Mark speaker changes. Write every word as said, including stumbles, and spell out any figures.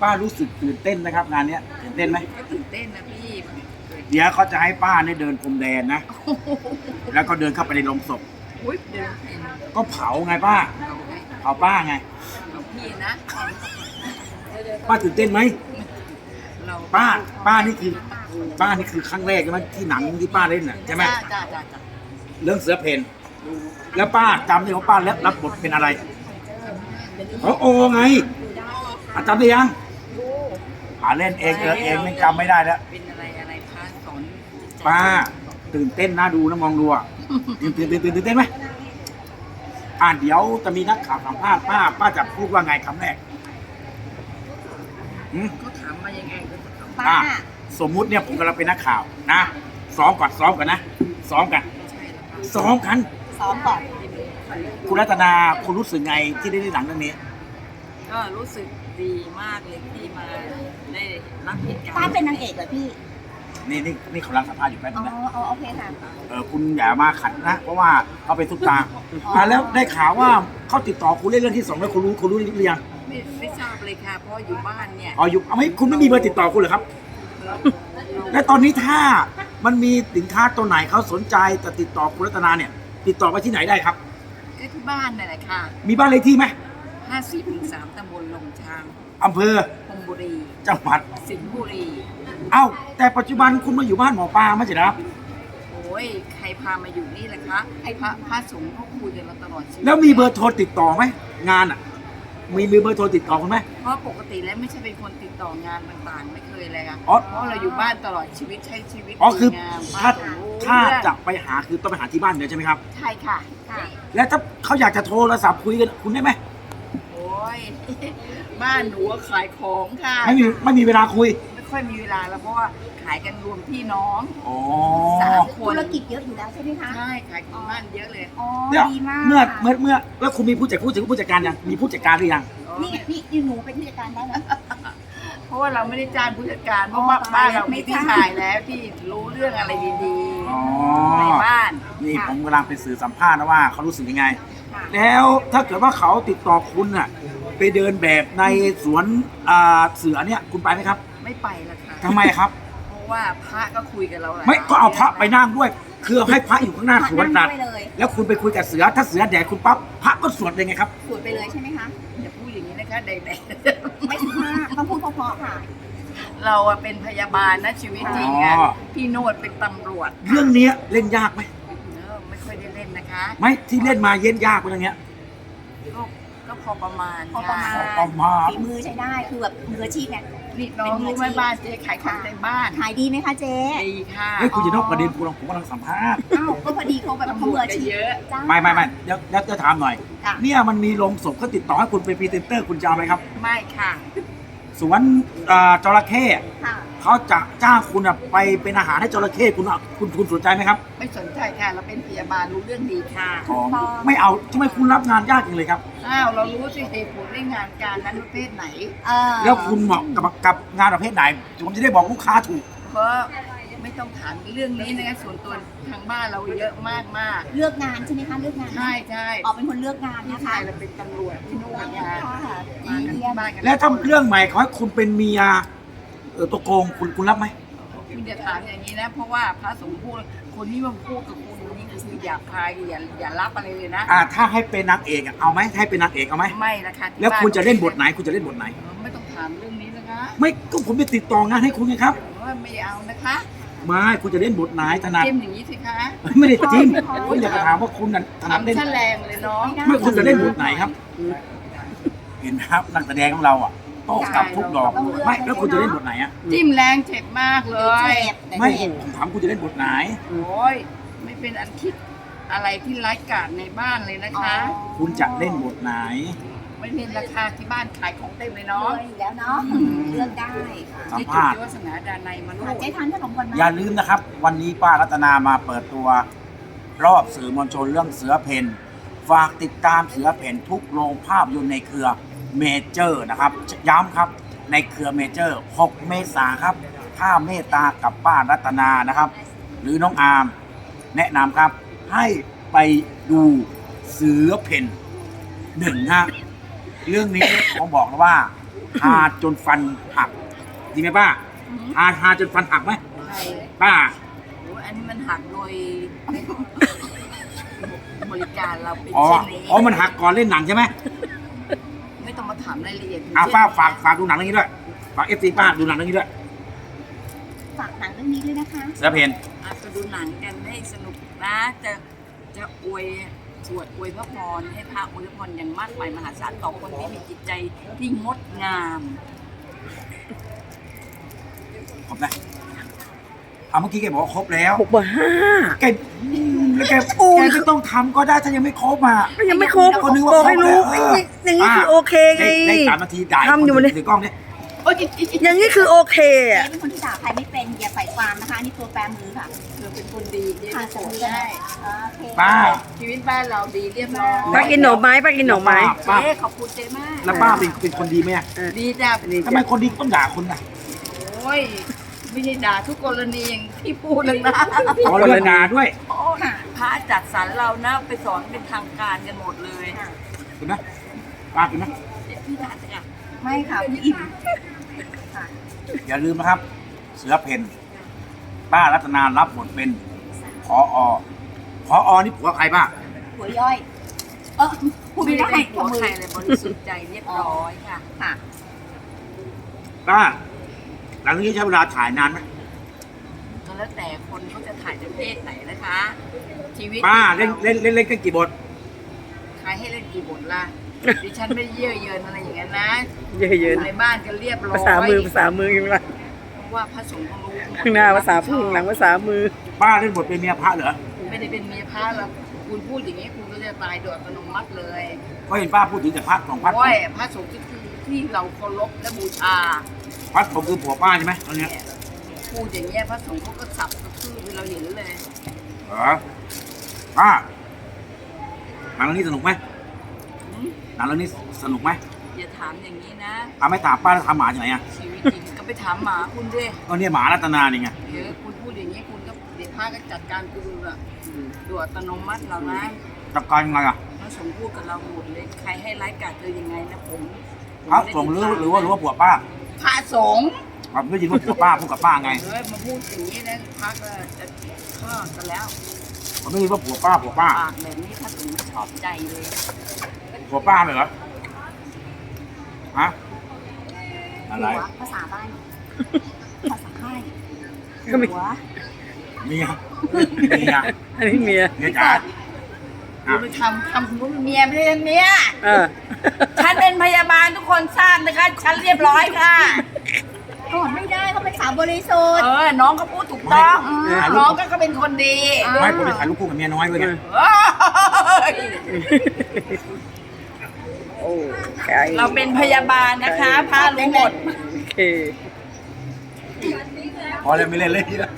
Speaker 1: ป้ารู้สึกตื่นเต้นไหมครับงานเนี้ยตื่นเต้นไหม
Speaker 2: ก็ตื่นเต้นนะพี่
Speaker 1: เดี๋ยวเขาจะให้ป้าเนี่ยเดินพรมแดนนะแล้วก็เดินเข้าไปในโรงศพ
Speaker 2: อุ้ยเดินเป็น
Speaker 1: ก็เผาไงป้า
Speaker 2: เอาไง
Speaker 1: เผาป้าไง
Speaker 2: เอาพี่นะ
Speaker 1: ป้าตื่นเต้นไหม
Speaker 2: เรา
Speaker 1: ป้าป้านี่คือป้านี่คือครั้งแรกใช่ไหมที่หนังที่ป้าเล่นน่ะใช่ไหม
Speaker 2: จ้าจ้าจ้าจ้า
Speaker 1: เรื่องเสือเพนแล้วป้าจำได้ว่าป้าแล้วรับบทเป็นอะไรโอ้โอไงอาจำได้ยังอ่าเล่นเองเออเองไม่จำไม่ได้แล้ว
Speaker 2: เป็นอะไรอะไรพระสอน
Speaker 1: ป้าตื่นเต้นน่าดูนะมองดูอ่ะตื่นตื่นตื่นตื่นเต้นไหมอ่าเดี๋ยวจะมีนักข่าวสัมภาษณ์ป้าป้าจะพูดว่าไงคำแรก
Speaker 2: เขาถามมายังไงก็
Speaker 1: ป้าสมมุติเนี่ยผมกำลังเป็นนักข่าวนะซ้อมก่อนซ้อมกันนะซ้อมกันซ้อมกัน
Speaker 3: ซ้อมก่อน
Speaker 1: คุณรัตนาคุณรู้สึกไงที่ได้เล่นหนังเรื่องนี้
Speaker 2: ก็รู้สึกดีมากเลยที่มาได้รับเหตุการณ์
Speaker 3: ป้าเป็นนางเอกเหรอพี่
Speaker 1: นี่นี่นี่เขาลังสัมภาษณ์อยู่แป๊บนึงนะ
Speaker 3: อ๋อโอเคค่ะ
Speaker 1: เออคุณอย่ามาขัดนะเพราะว่าเขาเป็นซุปตาอ่าแล้วได้ข่าวว่าเขาติดต่อคุณเล่นเรื่องที่สองแล้วคุณรู้คุณรู้หรือยัง
Speaker 2: ไม่ไม่ทราบเลยค่ะเพราะอยู่บ้านเนี่ย
Speaker 1: อ๋ออยู่เอาไม่คุณไม่มีเบอร์ติดต่อคุณเหรอครับและตอนนี้ถ้ามันมีสินค้าตัวไหนเขาสนใจจะติดต่อคุณรัตนาเนี่ยติดต่อไปที่ไหนได้ครับ
Speaker 2: ก็ที่บ้านนั่นแหละค่ะ
Speaker 1: มีบ้านเลขที่ไหม
Speaker 2: ห้าสิบสามตำบลลงช้าง
Speaker 1: อำเภอ
Speaker 2: พรมบุรี
Speaker 1: จังหวัด
Speaker 2: สิงห์บุรี
Speaker 1: เอ้าแต่ปัจจุบันคุณมาอยู่บ้านหมอปลาไม่ใช่เหรอ
Speaker 2: โอ้ยใครพามาอยู่นี่แหละคะไอ้พระพระสงฆ์เขาคุยกันมาตลอดชีวิต
Speaker 1: แล้วมีเบอร์โทรติดต่อไหมงานอ่ะมีมีเบอร์โทรติดต่อคุณไหม
Speaker 2: เพราะปกติแล้วไม่ใช่เป็นคนติดต่องานต่างๆไม่เคยเลยค่ะ
Speaker 1: เพราะ
Speaker 2: เราอยู่บ้านตลอดชีวิตใช้ชีวิต
Speaker 1: อ๋อคือถ้าถ้า
Speaker 2: จ
Speaker 1: ะไปหาคือต้องไปหาที่บ้านเดียวใช่ไหมครับ
Speaker 2: ใช่ค่ะค่ะ
Speaker 1: แล้วถ้าเขาอยากจะโทรศัพท์คุยกันคุณได้ไหม
Speaker 2: โอ้ยบ้านหนูขายของค่ะ
Speaker 1: ไม่มีไม่มีเวลาคุย
Speaker 2: ไม่ค่อยมีเวลาแล้วเพราะว่าขายกันรวมพี่น้อง
Speaker 3: สามคนธุรกิจเยอะอยู่แล้วใช่ไหมคะ
Speaker 2: ใช่ขายของบ้านเยอะเลย
Speaker 3: อ๋อดีมาก
Speaker 1: เมื่อเมื่อเมื่อแล้วคุณมีผู้จัดผู้จัดผู้จัดการยังมีผู้จัดการหรือยัง
Speaker 3: นี่นี่หนูเป็นผู้จัดการได้ไหม
Speaker 2: เพราะว่าเราไม่ได้จ้างผู้จัดการเพราะว่าบ้านเราไม่ที่ขายแล้วที่รู้เรื่องอะไรดีๆในบ้าน
Speaker 1: นี่ผมกำลังไปสื่อสัมภาษณ์นะว่าเขารู้สึกยังไงแล้วถ้าเกิดว่าเขาติดต่อคุณน่ะไปเดินแบบในสวนเสือเนี่ยคุณไปไหมครับ
Speaker 2: ไม่ไปละค่ะ
Speaker 1: ทำไมครับ
Speaker 2: เพราะว่าพระก็คุยกับเรา
Speaker 1: ไม่ก็เอาพระไปนั่งด้วยคือให้พระอยู่ข้างหน้าสวนตัดแล้วคุณไปคุยกับเสือถ้าเสือแดกคุณปั๊บพระก็สวดเลยไงครับ
Speaker 3: สวดไปเลยใช่ไหมคะ
Speaker 2: อย่าพูดอย่างนี้นะคะแดก
Speaker 3: ไม่ถึงห้าต้องพูดเพราะๆค่ะ
Speaker 2: เราเป็นพยาบาลนะชีวิตจริงอ่ะพี่โนดเป็นตำรวจ
Speaker 1: เรื่องนี้เล่นยากไหม
Speaker 2: ไม่ค่อยได้เล่นนะคะ
Speaker 1: ไม่ที่เล่นมาเย็นยากเป็นอย่างเงี้ย
Speaker 2: ก็ก็พอประมาณ
Speaker 3: พอประมาณ
Speaker 1: ประมาณ
Speaker 3: ฝีมือใช้ได้คือแบบมืออาชีพเนี่ย
Speaker 2: นี่น้องรู้ไหมบ้านเจ๊ขายของในบ้าน
Speaker 3: ขายดีไหมคะเจ๊
Speaker 2: ดีค่ะ
Speaker 1: เฮ้ยคุณจะนอกประเด็นคุณผมกำลังสัมภาษณ์
Speaker 3: อ้าวก็พอดีเขาแบบเขามืออาชีพ
Speaker 2: เยอะ
Speaker 1: ไม่ไม่ไม่เดี๋ยวเดี๋ยวจะถามหน่อยเนี่ยมันมีโรงศพเขาติดต่อให้คุณเป็นพรีเซนเตอร์คุณจะเอาไหมครับ
Speaker 2: ไม่ค่ะ
Speaker 1: สวนจระเข้เขาจะจ้างคุณไปเป็นอาหารให้จระเข้คุณคุณคุณสนใจไหมครับ
Speaker 2: ไม่สนใจค่ะเราเป็นพยาบาลรู้เรื่องดีค่ะ
Speaker 1: ไม่เอาทำไมคุณรับงานยากจังเลยครับ
Speaker 2: อ้าวเรารู้สิเหตุผลในงานการนั้นประเภทไหน
Speaker 1: แล้วคุณเหมาะกับกับงานประเภทไหนผมจะได้บอกลูกค้าถูก
Speaker 2: เพราะไม่ต้องถามเรื่องนี้นะคะส่วนตัวทางบ้านเราเยอะมากมาก
Speaker 3: เลือกงานใช่ไหมคะเลือกงาน
Speaker 2: ใช่ใช่
Speaker 3: ออกเป็นคนเลือกงานนะคะ
Speaker 2: เราเป็นตำรวจที่นู่นค่ะ
Speaker 1: แล้วถ้าเรื่องใหม่เขาให้คุณเป็นเมียเออตัวโกงคุณคุณรับไหม
Speaker 2: คุณจะถามอย่างนี้นะเพราะว่าพระสงฆ์พูดคนที่มาพูดกับคุณนี่คืออย่าพายอย่าอย่ารับอะไรเลยนะ
Speaker 1: อ่าถ้าให้เป็นนางเอกเอาไหมให้เป็นนางเอกเอาไหม
Speaker 2: ไม่นะคะ
Speaker 1: แล้วคุณจะเล่นบทไหนคุณจะเล่นบทไหน
Speaker 2: ไม่ต้องถามเรื่องนี้นะคะ
Speaker 1: ไม่ก็ผมจะติดต่องานให้คุณไงครับ
Speaker 2: ไม่เอานะคะ
Speaker 1: ไม่คุณจะเล่นบทไหนถนัด
Speaker 2: จิ้มอย่างนี้สิคะ
Speaker 1: ไม่ได้จิ้มคุณอยากจะถามว่าคุณถนัดเล่น
Speaker 2: แรงเลยน้อง
Speaker 1: ไม่คุณจะเล่นบทไหนครับเห็นครับนักแสดงของเราอ่ะโต้กลับทุกดอกไม่แล้วคุณจะเล่นบทไหนอ่ะ
Speaker 2: จิ้มแรงเจ็บมากเลย
Speaker 1: ไม่ผมถามคุณจะเล่นบทไหน
Speaker 2: โอ้ยไม่เป็นอันคิดอะไรที่ไร้กาจในบ้านเลยนะคะ
Speaker 1: คุณจะเล่นบทไหน
Speaker 2: ไม่เป็นราคาที่บ้านขายของเต็มเลยเนาะ
Speaker 3: อยู่แล้วเนาะเลือกได้
Speaker 1: สัมภาษณ์
Speaker 2: วาสนาดานในมาลูก
Speaker 3: เจ๊ทานขนมก่อนไหม
Speaker 1: อย่าลืมนะครับวันนี้ป้ารัตนามาเปิดตัวรอบสื่อมวลชนเรื่องเสือเพนฝากติดตามเสือเพนทุกโรงภาพยนตร์ในเครือเมเจอร์นะครับย้ำครับในเครือเมเจอร์หกเมษายนครับถ้าเมตตากับป้ารัตนานะครับหรือน้องอาร์มแนะนำครับให้ไปดูเสือเพนหนึ่งฮะเรื่องนี้ผมบอกเลยว่าฮาจนฟันหักดีไหมป้าฮาฮาจนฟันหักไหม
Speaker 2: ใช่
Speaker 1: ป้า
Speaker 2: โอ้ยอันนี้มันหักโดย บริการเราเป็น
Speaker 1: อ๋อ
Speaker 2: เช่นนี้
Speaker 1: อ๋อมันหักก่อนเล่นหนังใช่ไหม
Speaker 2: ไม่ต้องมาถามรายละเอียด
Speaker 1: อ่ะป้าฝากฝากดูหนังเรื่องนี้ด้วยฝากเอฟซีป้าดูหนังเรื่องนี้ด้วย
Speaker 3: ฝากหนังเรื่องนี้ด้วยนะคะ
Speaker 1: เสือเพน
Speaker 2: อ่ะไปดูหนังกันให้สนุกนะจะจะอวยสวดอวยพระพรให้พระอวยพรอย่างมากมายมหาศาลต่อคนที่มีจิตใจที่งดงาม
Speaker 1: ครบนะเอาเมื่อกี้แกบอกว่าครบแล้ว
Speaker 4: หกเบอร์ห้า
Speaker 1: แกอืมแล้วแกแกไม่ต้องทำก็ได้ถ้ายังไม่ครบอ่ะ
Speaker 4: ก็ยังไม่ครบ
Speaker 1: ก็นึกว่า
Speaker 4: บอกให้รู้
Speaker 1: ครบแล้ว
Speaker 4: อย่างนี้คือโอเคไง
Speaker 1: ได้ได้สามนาทีด่า
Speaker 4: ทำอยู่
Speaker 1: คน
Speaker 4: เนี่ย
Speaker 1: ถือกล้องเนี่ย
Speaker 2: โอ้ย
Speaker 4: อย่างนี้คือโอเค
Speaker 3: เจ๊
Speaker 4: อะ
Speaker 3: เป็นคนที่ด่าใครไม่เป็นอย่าใส่ความนะคะอันนี่ตัวแปรมือค่ะ
Speaker 2: เธอเป็นคนดีเนี่ย
Speaker 3: ค่ะ
Speaker 2: โส
Speaker 3: สม
Speaker 2: ด
Speaker 3: มือ
Speaker 2: ได้
Speaker 3: โอเค
Speaker 1: ป้า
Speaker 2: ชีวิตบ้านเราดีเรียบร้อย
Speaker 4: ป้ากินหน่อไม้ป้ากินหน่อไม้
Speaker 1: ป้า
Speaker 2: เจ๊ขอบคุณเจ๊มาก
Speaker 1: แล้วป้าเป็นเป็นคนดีไหมอะ
Speaker 2: ดีจ้า
Speaker 1: ทำไมคนดีต้องด่าคนอ่ะ
Speaker 2: โอ้ยไม่ใช่ด่าทุกกรณีอย่างที่พูดเลยนะ
Speaker 1: ขอเลิกด่าด้วย
Speaker 2: โอ้ยพระจัดสรรเรานะไปสอนเป็นทางการกันหมดเลย
Speaker 1: เห็นไหมป้าเห็นไหม
Speaker 2: เดี๋ยวพี่ด่าจ้ะ
Speaker 3: ไม่ค่ะอิ่มค่ะ
Speaker 1: อย่าลืมนะครับ เสือเพนป้ารัตนารับบทเป็นพออพออนี่ผัวใครป้า
Speaker 3: หัวย่อย เออพูด
Speaker 2: ไม่
Speaker 3: ไม่
Speaker 2: ได้
Speaker 3: ได้
Speaker 2: เป็นหัว
Speaker 3: มือ
Speaker 2: ใครเลยบริสุทธิ์ใจเรียบร้อยค่ะ
Speaker 3: ค่ะ
Speaker 1: ป้าหลังจากนี้ใช้เวลาถ่ายนานไหม
Speaker 2: ก็แล้วแต่คนเขาจะถ่ายในเพศไหนนะคะ ชีวิต
Speaker 1: ป้าเล่นเล่นเล่นเล่นกันกี่บท
Speaker 2: ใครให้เล่นกี่บทล่ะ ดิฉันไม่เยื่อเยินอะไรอย่างนั้นนะ
Speaker 4: เยอะเยอะ
Speaker 2: ในบ้านก็เรียบร้อย
Speaker 4: ภาษามือภาษามืออยู่ละ
Speaker 2: เพราะว่าพระสงฆ์เขารู้
Speaker 4: ข้างหน้าภาษาพึ่งหลังภาษามือ
Speaker 1: ป้าเล่นบทเป็นเมียพระเหรอ
Speaker 2: ไม่ได้เป็นเมียพระหรอกคุณพูดอย่างนี้คุณก็จะตายโดยอัตโนมัติเลย
Speaker 1: ก็เห็นป้าพูดถึงแต่พระของพระ
Speaker 2: โอ้ยพระสงฆ์ที่คือที่เราเคารพและบูชา
Speaker 1: พระผมคือผัวป้าใช่ไหมตอนเนี้ย
Speaker 2: พูดอย่างเงี้ยพระสงฆ์เขาก็สับกระทืบให้เราเห็นเลย
Speaker 1: เหรอป้าหนังเรื่องนี้สนุกไหม
Speaker 2: หืม
Speaker 1: หนังเรื่องนี้สนุกไหม
Speaker 2: อย่าถามอย่างนี้นะ
Speaker 1: เอาไม่ถามป้าแล้วทำหมาจากไหนอ่ะ
Speaker 2: ชีวิตจริงก็ไปถามหมาคุณด้วย
Speaker 1: ก็เนี่ยหมารัตนานี่ไง
Speaker 2: เดี๋ยวคุณพูดอย่างนี้คุณก็เดี๋ยวพระก็จัดการคุณอะโดยอัตโนมัติเรานะ
Speaker 1: จัดการยังไงอ่ะ
Speaker 2: พระสงฆ์พูดกับเราหมดเลยใครให้ร้ายกาจเธอยังไงนะผมผม
Speaker 1: พระ
Speaker 2: ไม่ได้
Speaker 1: สงฆ์หรือหรือว่าหรือว่าผัวป้า
Speaker 2: พระสงฆ์
Speaker 1: ผมไม่ยินว่าผัวป้าพูดกับป้าไง
Speaker 2: เฮ้ยมาพูดอย่างนี้นะพระก็จะฆ่ากันแล้ว
Speaker 1: ผมไม่ยินว่าผัวป้าผัวป้า
Speaker 2: ปากแบบนี้พระสงฆ์ไม่ชอบใจเลย
Speaker 1: ผัวป้าเลยเหรอฮะอะไร
Speaker 3: หัวภาษาบ้าน ภาษาไทย
Speaker 4: ก็มี
Speaker 3: หัว
Speaker 1: เมียเมีย
Speaker 4: อันนี้เมีย
Speaker 1: เมียจ๋า
Speaker 2: คุณไปทำทำคุณว่าเป็นเมียไม่ได้เป็นเมีย
Speaker 4: เออ
Speaker 2: ฉันเป็นพยาบาลทุกคนทราบนะคะ ฉันเรียบร้อยค่ะ
Speaker 3: ก่อนไม่ได้เขาเป็นสาวบริสุทธิ์
Speaker 2: เออ น้องก็พูดถูกต้อง
Speaker 3: ไม่
Speaker 2: น้องก็ก็เป็นคนดี
Speaker 1: ไม่ผมจะถ่ายรูปคู่กับเมียน้อยด้วยไง
Speaker 2: เอ้ย
Speaker 4: โอ้ใช่
Speaker 2: เราเป็นพยาบาลนะคะพารู้หมด
Speaker 4: โอเค
Speaker 1: พอแล้วไม่เล่นเลยทีละ